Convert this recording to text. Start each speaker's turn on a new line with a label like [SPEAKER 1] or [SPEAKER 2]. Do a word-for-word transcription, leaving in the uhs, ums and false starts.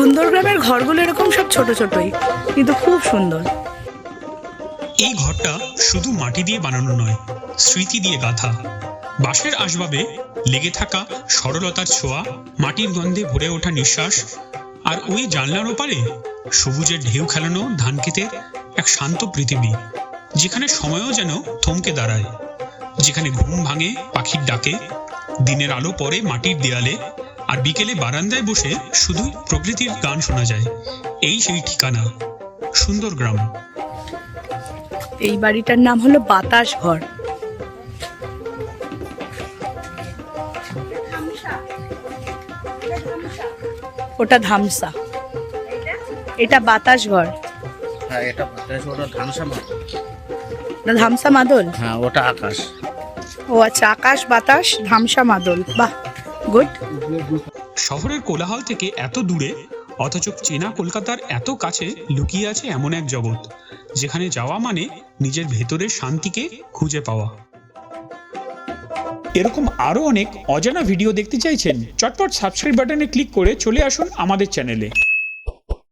[SPEAKER 1] সুন্দরগ্রামের ঘরগুলো এরকম সব ছোট ছোটই, কিন্তু খুব সুন্দর।
[SPEAKER 2] এই ঘরটা শুধু মাটি দিয়ে বানানো নয়, স্মৃতি দিয়ে গাঁথা। বাঁশের আসবাবে লেগে থাকা সরলতার ছোঁয়া, মাটির গন্ধে ভরে ওঠা নিঃশ্বাস, আর ওই জানলার ওপারে সবুজের ঢেউ খেলানো ধানক্ষেতের এক শান্ত পৃথিবী, যেখানে সময়ও যেন থমকে দাঁড়ায়, যেখানে ঘুম ভাঙে পাখির ডাকে, দিনের আলো পড়ে মাটির দেয়ালে, আর বিকেলে বারান্দায় বসে শুধু প্রকৃতির গান শোনা যায়। এই সেই ঠিকানা, সুন্দরগ্রাম।
[SPEAKER 1] এই বাড়িটার নাম হলো বাতাস ঘর। ওটা ধামসা, এটা বাতাস ঘর।
[SPEAKER 3] হ্যাঁ, এটা বাতাস, ওটা ধামসা মাদল।
[SPEAKER 1] না, ধামসা মাদল।
[SPEAKER 3] হ্যাঁ, ওটা আকাশ।
[SPEAKER 1] ও আচ্ছা, আকাশ, বাতাস, ধামসা মাদল। বাহ, গুড।
[SPEAKER 2] শহরের কোলাহল থেকে এত দূরে, অথচ চেনা কলকাতার এত কাছে লুকিয়ে আছে এমন এক জগৎ, যেখানে যাওয়া মানে নিজের ভেতরের শান্তিকে খুঁজে পাওয়া। এরকম আরও অনেক অজানা ভিডিও দেখতে চাইছেন? চটপট সাবস্ক্রাইব বাটনে ক্লিক করে চলে আসুন আমাদের চ্যানেলে।